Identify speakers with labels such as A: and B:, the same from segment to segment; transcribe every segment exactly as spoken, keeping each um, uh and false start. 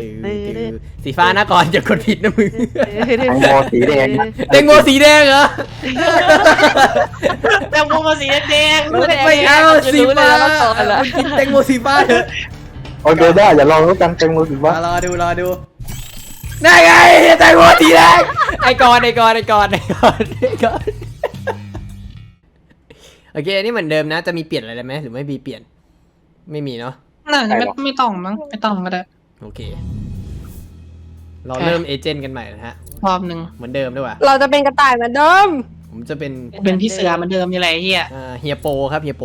A: สีฟ้านะก่อนจะกดผิดนะมึง
B: แตงโมสีแดง
A: แตงโมสีแดงเหรอ
C: แตงโมมาสีแดง
A: ไม่เอาสีฟ้ามึงกินแตงโมสีฟ้าเถอะ
B: โอเคได้อย่าลองแล้วกันแตงโมสีฟ้าร
A: อดูรอดูได้ไงแตงโมสีแดงไอ้กอนไอ้กอนไอ้กอนไอ้กอนไอ้กอนโอเคอันนี้เหมือนเดิมนะจะมีเปลี่ยนอะไรไหมหรือไม่มีเปลี่ยนไม่มีเนาะ
C: น่าจะไม่ไม่ต้องมั้งไม่ต้องก็ได้
A: โอเคเราเริ่มเอเจนต์กันใหม่นะฮะ
C: รอบหนึ่ง
A: เหมือนเดิมด้วยว่ะ
D: เราจะเป็นกระต่ายเหมือนเดิม
A: ผมจะเป็น
C: เป็นพี่เสือเหมือนเดิมยังไงเฮีย
A: อ่าเฮียโปครับเฮียโป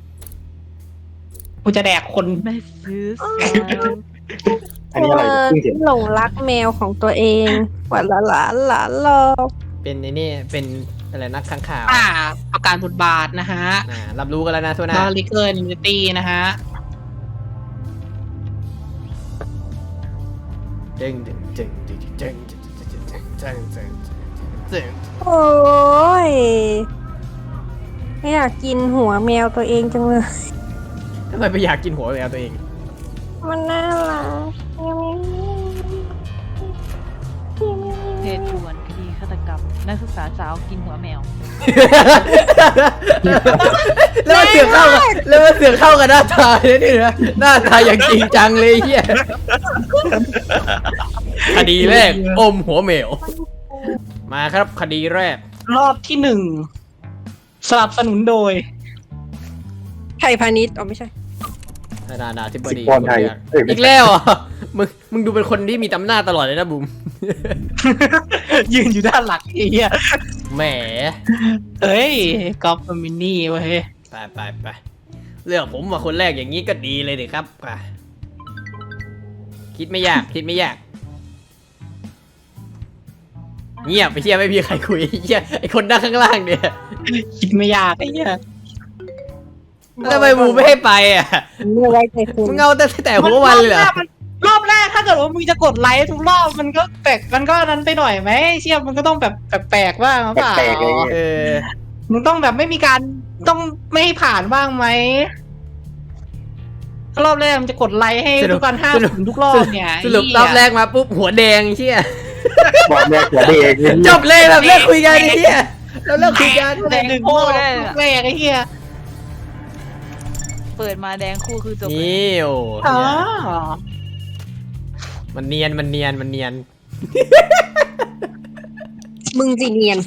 C: กูจะแดกคน
D: ไม่ซื้อ
B: อันนี้อะไร
D: หลงรักแมวของตัวเองหวานหลานหลานหลานรอ
A: เป็นในนี่เป็นอะไรนักข้างข่าว
C: อ่าประการบทบาทนะฮะ
A: อ่ารับรู้กันแล้วนะทุกท่าน
C: นอริเกอร์นิมิตี้นะฮะ
A: เจ๋งเจ๋งเจ๋งเจ๋งเจ๋งเจ๋งเจ๋งเจ๋งเจ๋ง
D: โอ้ยไม่อยากกินหัวแมวตัวเองจังเลย
A: ทำไมไม่อยากกินหัวแมวตัวเอง
D: มันน่ารัก
E: เหตุด่วนคดีฆาตกรรมนักศึกษาสาวกินหัวแมว
A: แล้วมันเสือกเข้ากันแล้วมันเสือกเข้ากันหน้าตาเนี่ยนี่นะหน้าตาอย่างจริงจังเลยเฮียคดีแรกอมหัวแมวมาครับคดีแรก
C: รอบที่หนึ่งสนับสนุนโดย
D: ไทยพาณิชย์อ๋อไม่ใช่
A: นานาที่บดีอีกแล้วอ่ะมึงมึงดูเป็นคนที่มีตำหน้าตลอดเลยนะบุ๋ม
C: ยืนอยู่ด้านหลังไอ้เหี้ย
A: แหม
C: เฮ้ยกอล์ฟมินนี่เว้ย
A: ไปไปไปเลือกผมมาคนแรกอย่างนี้ก็ดีเลยดิครับคิดไม่ยากคิดไม่ยากเงียบไปเชี่ยไม่มีใครคุยเชี่ยไอคนนั่งข้างล่างเนี่ย
C: คิดไม่ยากไอ้เหี้ย
A: ทำไมมูไม่ให้ไปอ่ะมึงเอาแต่แต่หัววันเลยเหรอ
C: รอบแรกถ้าเกิดว่ามึงจะกดไลค์ทุกรอบมันก็แปลกมันก็นั้นไปหน่อยไหมเชี่ยมันก็ต้องแบบแปลกๆบ้างหรือเปล่า
A: เออ
C: มึงต้องแบบไม่มีการต้องไม่ให้ผ่านบ้างไหมรอบแรกมันจะกดไลค์ให้ทุกการห้าถึงทุกรอบเนี่ย
A: สรุปรอบแรกมาปุ๊บหัวแดงเชี่ย
B: บอกแรกหัวแดง
A: จบเลยแบบเลิกคุยกันเชี่ยเราเลิกคุยกัน
C: แดงโคตรแรกไอ้เหี้ย
E: เปิดมาแดงคู่คือจบ
A: นี่โอ้มันเนียนมันเนียนมันเนียน
D: มึงสิเนียน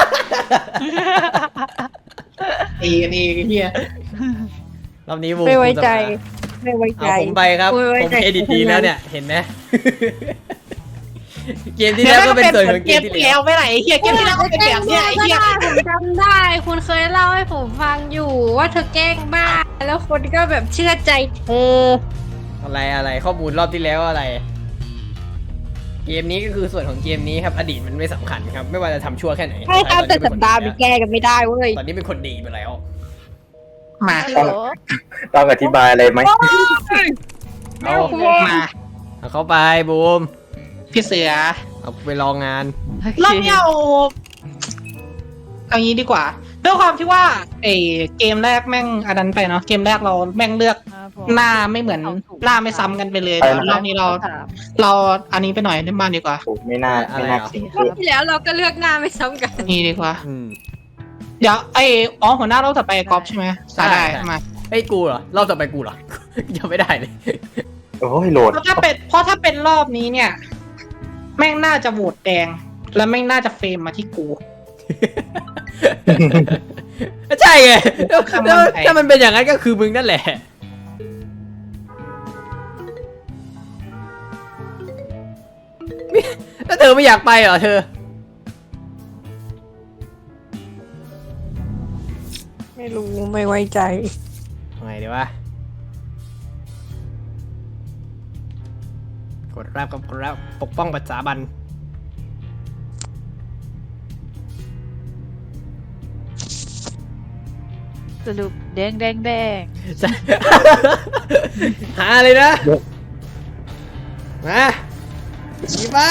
C: เอ้นี่เฮีย
A: รอบนี้วู
D: ไม่ไว้ใจไม่ไว้ใจ
A: ผมไปครับผมเอดิตดีแล้วเนี่ยเห็นไหมเกมที่แล้วก็เป็นส่วนของเกมที่แล้ว
C: ไม่ไหนเฮียเกมที่แล้วก็เป็นแบบเนี้ยไอ้เฮีย
D: ผมจำได้คุณเคยเล่าให้ผมฟังอยู่ว่าเธอแกล้งบ้าแล้วคนก็แบบเชื่อใจเธอ
A: อะไรอะไรข้อมูลรอบที่แล้วอะไรเกมนี้ก็คือส่วนของเกมนี้ครับอดีตมันไม่สำคัญครับไม่ว่าจะทำชั่วแค่ไหน
D: ใช่ครับแต่สัปดาห์มันแก้กันไม่ได้เว้ย
A: ตอนนี้เป็นคนดีไปแล้ว
C: มา
B: ต้องอธิบายอะไรไหม
A: เอามาเอาเข้าไปบูม
C: พี่เสือ
A: เอาไปลองงาน
C: รอบนี้เอาเอางี้ดีกว่าด้วยความที่ว่าไอเกมแรกแม่งอันนั้นไปเนาะเกมแรกเราแม่งเลือกหน้าไม่เหมือนหน้าไม่ซ้ำกันไปเลยรอบนี้เราเราอันนี้ไปหน่อยได้บ้างดีกว่า
B: ไม่น่าไม่น่า
D: ที่แล้วเราก็เลือกหน้าไม่ซ้ำกัน
C: นี่ดีกว่าเดี๋ยวไออ๋อหัวหน้าเราต่อไปกอล์ฟใช่ไหมได้มา
A: ไอ้กูเหรอเราต่อไปกูเหรอยังไม่ได้เลย
B: โอ้ยโหลด
C: เพราะถ้าเป็นเพราะถ้าเป็นรอบนี้เนี่ยแม่งน่าจะโหวตแดงแล้วแม่งน่าจะเฟรมมาที่กู
A: ใช่ไงถ้ามันเป็นอย่างนั้นก็คือมึงนั่นแหละแล้วเธอไม่อยากไปเหรอเธอ
D: ไม่รู้ไม่ไว้ใจ
A: ไงดีวะกดรับกับกดรับปกป้องปัจจาบัน
E: สรุปแดงแดงแดง
A: หาเลยนะมาดีปะ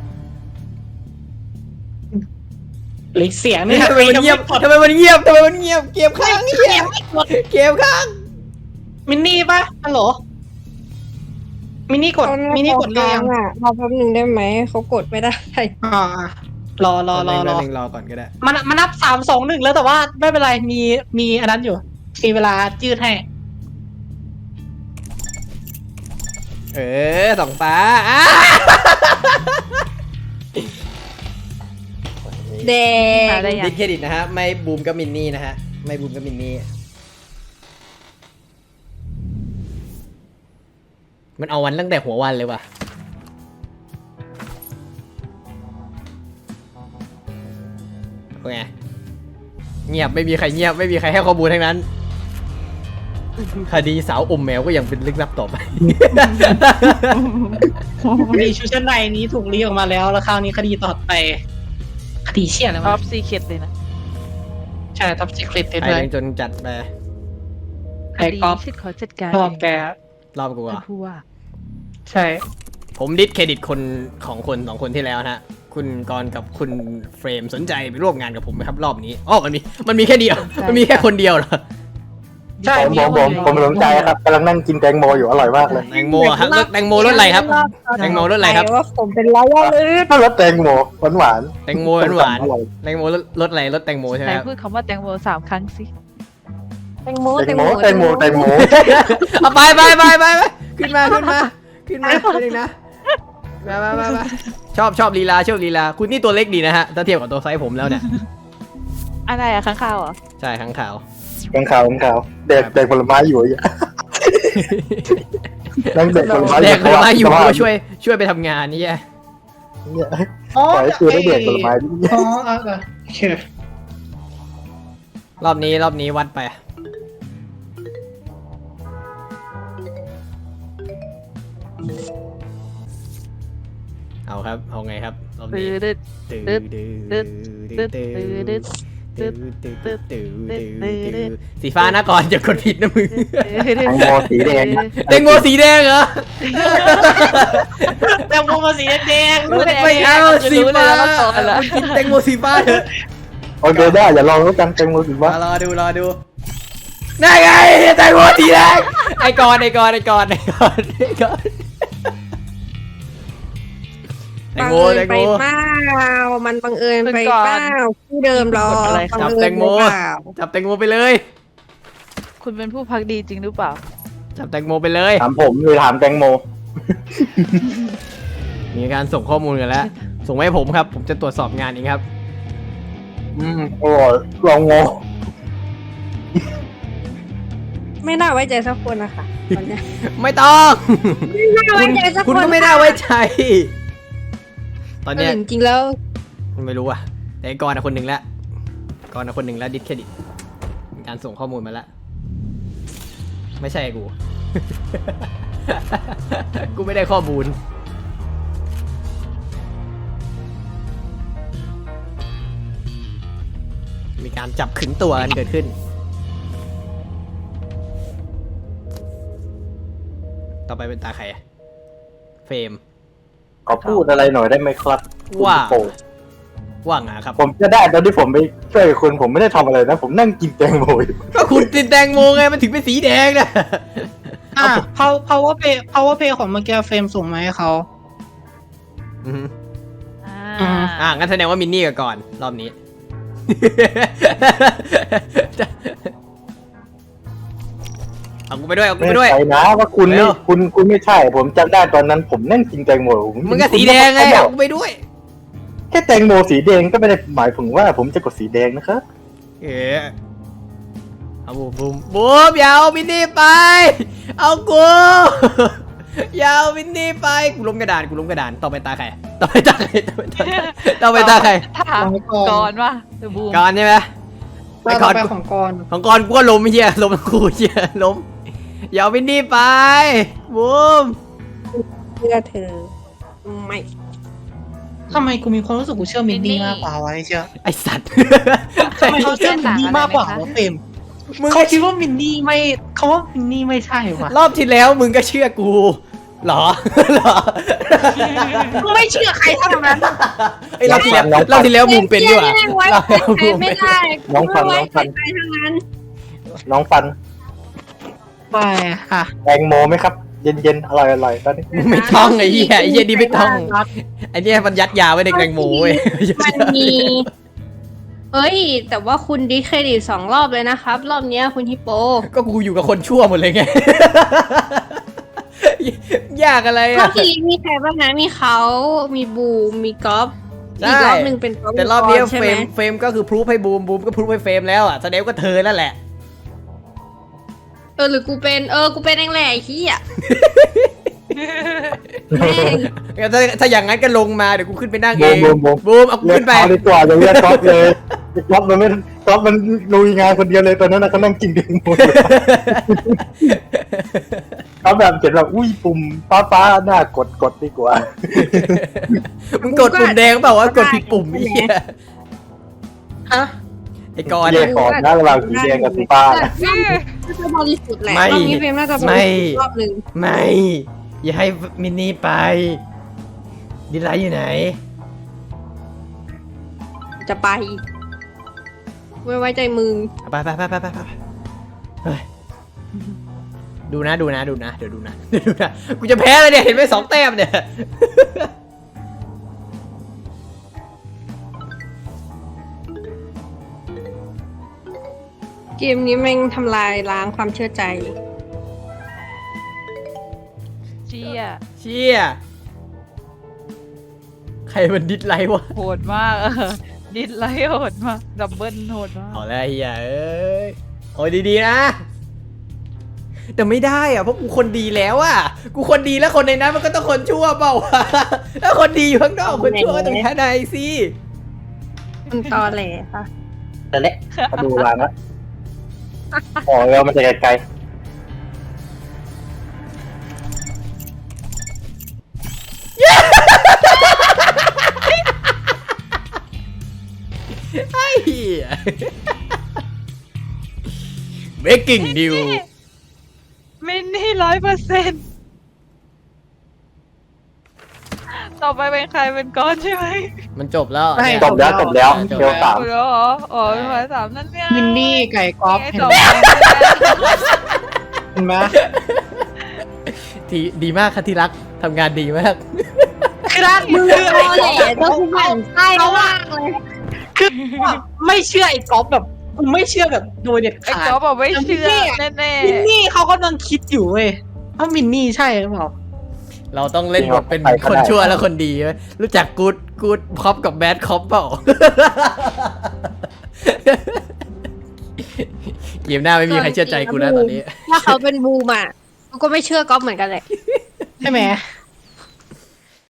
C: หลีกเสียงนี่
A: ทำไมมันเงียบทำไมมันเงียบทำไมมันเงียบเก็บข้างเงียบเก็บข้าง
C: มินนี่ปะฮัลโหลมินี่กดมินี่กดเรียง
D: อ่ะรอแป๊บหนึงได้ไหมเขากดไม่ได้
C: อ่ารอรอรอรอ
A: แป๊บนึงรอก่อนก็ได้
C: มันมันนับสามสองหนึ่งแล้วแต่ว่าไม่เป็นไรมีมีอันนั้นอยู่มีเวลายืดให้
A: เออสองฟ้าอ่ะ
D: แดง
E: มาได้ยัง
A: ดิสเครดิตนะฮะไม่บูมก็มินนี่นะฮะไม่บูมก็มินนี่มันเอาวันตั้งแต่หัววันเลยว่ะโอเคเงียบไม่มีใครเงียบไม่มีใครให้ข้อมูลทั้งนั้นคดีสาวอมแมวก็ยังเป็นลึกลับต่อไป
C: มีชุดชั้นในนี้ถูกรีออกมาแล้วแล้วคราวนี้คดีต่อไปคดีเชี่ยแล้ว
E: ท็อ
C: วะ
E: ปซีเคทเลยนะ
C: ใช่ท็อปซีคริต
A: ไอ้
C: เลย
A: เรื่องจนจัดไป
C: ไอ้ก๊อฟ
E: ฉันขอจัดการ
C: ชอบแก
A: รอบกู
E: ท่า
A: อ่ะ
E: นผู้ว่า
C: ใช่
A: ผมดิสเครดิตคนของคนสองคนที่แล้วนะฮะคุณกรณ์กับคุณเฟรมสนใจไปร่วมงานกับผมไหมครับรอบนี้อ๋อมันมีมันมีแค่เดียวมันมีแค่คนเดียวเหรอ
C: ใช่
B: ผมผมผมผมสนใจครับกำลังนั่งกินแตงโมอยู่อร่อยมากเลย
A: แตงโมอะครับรสแตงโมรสอะไรครับแตงโมรสอะไรครับ
D: ว่าผมเป็นร้อยว่าเลย
B: ถ้ารสแตงโมหวานหวาน
A: แตงโมหวานๆแตงโมรสรสอะไรรสแตงโมใช่ไห
E: ไห
A: ม
E: น
A: ครับ
E: พูดคำว่าแตงโมสามครั้งสิ
D: แตงโม
B: แตงโมแตงโมแตงโม
A: เอาไปไปไปไปไปขึ้นมาขึ้นมาขึ้นมาขึ้นอีกนะมามามามาชอบชอบลีลาชอบลีลาคุณนี่ตัวเล็กดีนะฮะถ้าเทียบกับตัวไซส์ผมแล้วเนี่ย
E: อะไรอะข้างข้าวเหรอ
A: ใช่ข้างขาว
B: แกงขาวแกงขาวเด็กเด็กผลไม้อยู่อ่ะนั่งเด็กผลไม้
A: แดกผลไม้อยู่ก็ช่วยช่วยไปทำงานนี่แย่
B: เนี่ย
C: อ๋อ
B: ปล่อยให้คือได้เด็กผลไม้ดิ
C: อ๋อเออเออโอเค
A: รอบนี้รอบนี้วัดไปเอาครับเอาไงครับรอบ
E: ตื
A: นี้
E: ดดึด
A: ตื่
E: ตึ๊ด
A: ตื่
E: ตึ๊ด
A: ตื่
E: ตึ๊ด
A: ตื่
E: ตึ๊ดตึ๊ด
A: ตื่
E: ตึ๊ด
A: ตื่
E: ตึ๊ด
A: ตื่สีฟ้านะก่อนอย่ากดผิดนะมึง
B: แตงโมสีแดง
A: แตงโมสีแดงเหรอ
C: แตงโมมาสีแดง
A: ไม่เอาสีฟ้ากินแตงโมสีฟ้าเถอะ
B: โอเคได้อย่าลองแล้วกันแตงโมสีฟ้าม
A: ารอดูรอดูนั่นไงแตงโมสีแดงไอ้กอนไอ้กอนไอ้กอนไอ้กอนไอ้กอนแตง
D: บัง
A: โม
D: เอิญ
A: แตง
D: ไป
A: โม
D: เปล่ามันบังเอิญไปเปล่าที่เดิมหรอ
A: จับแตงโมจับแตงโมไปเลย
E: คุณเป็นผู้พักดีจริงหรือเปล่า
A: จับแตงโมไปเลย
B: ถามผมเลยถามแตงโม
A: มีการส่งข้อมูลกันแล้ว ส่งมาให้ผมครับ ผมจะตรวจสอบงานเองครับ
B: อืมอร่อยลองโม
D: ไม่น่าไว้ใจสักคนนะคะตอนเนี้ย
A: ไม่ต้อง
D: ไม่น่าไว้ใจสัก
A: คุณ
D: คน
A: ก็ไม่น่าไว้ใจ ตอนเนี้ย
D: จริงๆแล้ว
A: ไม่รู้อ่ะ แต่ไอ้กรณ์อะคนหนึ่งแล้วกรณ์อะคนหนึ่งแล้วดิสเครดิตมีการส่งข้อมูลมาแล้ว ไม่ใช่กู กูไม่ได้ข้อมูล มีการจับขึงตัวกันเกิดขึ้น ต่อไปเป็นตาใครอะเฟรม
B: ขอพูดอะไรหน่อยได้ไหมครับ
A: ว่า
B: คุณโป่ง
A: ว่างงาครับ
B: ผมจะได้ตอนที่ผมไปช่วยคุณผมไม่ได้ทำอะไรนะ ผมนั่งกินแตงโมอยู่
A: ก็คุณติดแตงโมไงมันถึงเป็นสีแดงนะ
C: อ่า power power play power play ของเมื่อกี้เฟรมส่งมาให้เขา
A: อือฮึ
E: อ่า
C: อืม
A: อ่างั้นแสดงว่ามินนี่กับก่อนรอบนี้ เอากูไปด้วยเอากู
B: ไม่
A: ไปด้วย
B: ใช่นะว่าคุณ
A: แล้
B: ไม่
A: ว
B: คุณคุณไม่ใช่ ผมจำได้ตอนนั้นผมนั่งกินแตงโมผม
A: มึงก็สีแดงไง
B: เขาบ
A: เอา
B: อก
A: กูไปด้วย
B: แค่แตงโมสีแดงก็ไม่ได้หมายถึงว่าผมจะกดสีแดงนะครับ
A: เออเอาบูมบูมบูมอย่าเอามินนี่ไป เอากู อย่าเอามินนี่ไปกูล้มกระดานกูล้มกระดานต่อไปตาใครต่อไปตาใครต่อไปตาใครต่อไปตาใคร
E: ถามก่อนว่าเดอะบูม
A: ก่อนใช่ไหม
C: ต่อไปของกร
A: ของก่อนกูก็ล้มเฮียล้มกูเฮียล้มอย่าเอามินนี่ไปบูม
D: เพื่อเธอไม่
C: ทำไมกูมีความรู้สึกกูเชื่อมินนี่มากกว่าวะไอ้เชื่อ
A: ไอสัตว์
C: ทำไมเขาเชื่อมินนี่มากกว่าวะเฟรม
A: มึง
C: เขาคิดว่ามินนี่ไม่เขาว่ามินนี่ไม่ใช่ว่ะ
A: รอบที่แล้วมึงก็เชื่อกูเหรอ เหรอ
C: กูไม่เชื่อใครเท่านั้น
A: ไอยรอบที่แล้วรอบที่แล้วมึงเป็นด้วย
D: ไว้ใจใครไม่ได้
B: น้องฟันน้องฟัน
D: ใครทั้งนั้น
B: น้องฟัน
C: ไปค่ะ
B: แตงโมไหมครับเย็นๆอร่อยๆตอนนี้
A: มึงไม่ต้องไอ้เหี้ยไอ้เหี้ยนี่ไม่ต้องไอ้เนี่ยมันยัดยาไว้ในแตงโมเว้ย
D: มันมีเอ้ย แต่ว่าคุณดิสเครดิตสองรอบเลยนะครับ รอบเนี้ยคุณฮิปโป
A: ก็กูอยู่กับคนชั่วหมดเลยไง ยากอะไร
D: รอ
A: อ่ะ
D: บที่แล้วมีใครบ้างนะมีเขามีบูมมีก๊อฟ
A: ใช่
D: อีกรอบหนึ่งเป็นก๊อฟ
A: แต่รอบนี้
D: ใช่
A: เฟ
D: ไห
A: ร
D: ม
A: มเฟรมก็คือพรูฟให้บูมบูมก็พรูฟให้เฟรมแล้วอ่ะแสดงว่าเธอนั่นแหละ
D: เออหรือกูเป็นเออกูเป็นเองแหละไอ้ขี้อ่ะแม่ง
A: งั้นถ้าถ้าอย่างนั้นก็ลงมาเดี๋ยวกูขึ้นไปนั่ง
B: บู
A: เอ
B: ม
A: ง
B: บูมบูม
A: บูมเอากู
B: เรียก
A: ขึ้นไป
B: เขาดีกว่าอย่าเรียกก๊อฟเลยก๊อฟมันไม่ก๊อฟมันลุยงานคนเดียวเลยตอนนั้นนะเขานั่งกินเบียร์หมดเขาแบบเขียนแบบอุ้ยปุ่มฟ้าฟ้าหน้ากดกดดีกว่า
A: มึงกดปุ่มแดงเปล่าวะกดผิดปุ่มไอ้เหี้ย
C: ฮะ
A: ไอ้กอน
B: แย
A: อะ
B: กก่อนนะระหว่างสีแดงกับสีฟ้านะ
D: น่าจะบริสุทธิ์แหละ
A: ไม่
D: รอบนี้เฟรมน่าจะบริ
A: ไม่
D: สุทธิ์รอบหนึ่ง
A: ไม่ อย่าให้มินนี่ไป ดิไลท์อยู่ไหน
D: จะไปไม่ไว้ใจมึง
A: ไปไปไปไปไปไปเฮ้ยดูนะดูนะดูนะเดี๋ยวดูนะเดี๋ยวดูนะกูจะแพ้เลยเนี่ยเห็นไหมสองแต้มเนี่ย
D: เกมนี้แม่งทำลายล้างความเชื่อใจ
E: เชี่ย
A: เชี่ยใครมันดิสไลท์วะ
E: โหดมากเออดิสไลท์โหดมากดับเบิลโหดมาก
A: เอาแล้วไอ้เฮียเอ้ยโอ้ยดีๆนะ แต่ไม่ได้อะเพราะกูคนดีแล้วอะกูคนดีแล้วคนในนั้นมันก็ต้องคนชั่วเปล่าวะถ้าคนดีอยู่ข้างนอกคนชั่วก็ต้องแค่ในสิ
D: มันตอแหลค่ะ
B: แต่เละมาดูร้านละอ๋อเรามาจากไกล
A: ไอ้เหี้ย Breaking News
E: มินนี่ร้อยเปอร์เซ็นต์ต่อไปเป็นใครเป็นก้อนใช่ไหม
A: มันจบแล้ว
C: ไม่
A: เนี่ย
B: ๆจบแล้วจบแล้ว
A: จบ
B: เดียวสาม
E: จบแล้วเหรออ๋อเป็นหมายสามนั่นเนี่ย
C: มินนี่ไก่ก๊อฟ
E: ไอ้
C: เห็น
E: สอง
C: ไหม
E: คนเนี่ย
C: เห็นไหม
A: ทีดีมากค่ะที่รักทำงานดีมาก
C: คือรักมือ
D: ตอแหลก็คือหมั่นไส้มากเลย
C: คือไม่เชื่อไอ้ก๊อฟแบบกูไม่เชื่อแบบโดยเด็ด
E: ไอ้
C: ขาด
E: ก๊อฟบอกไม่เชื่อแน่
C: มินนี่เขากำลังคิดอยู่เว้ยว่ามินนี่ใช่หรือเปล่า
A: เราต้องเล่นบทเป็นคนชั่วและคนดีไหมรู้จักกูดกูดคอปกับแบดคอปเปล่า เกมหน้าไม่มีใครเชื่อใจกูแล้วตอนนี้
D: ถ้าเขาเป็นบูมอ่ะกูก็ไม่เชื่อก๊อฟเหมือนกันแหละ
C: ใช่ไหม
D: ใ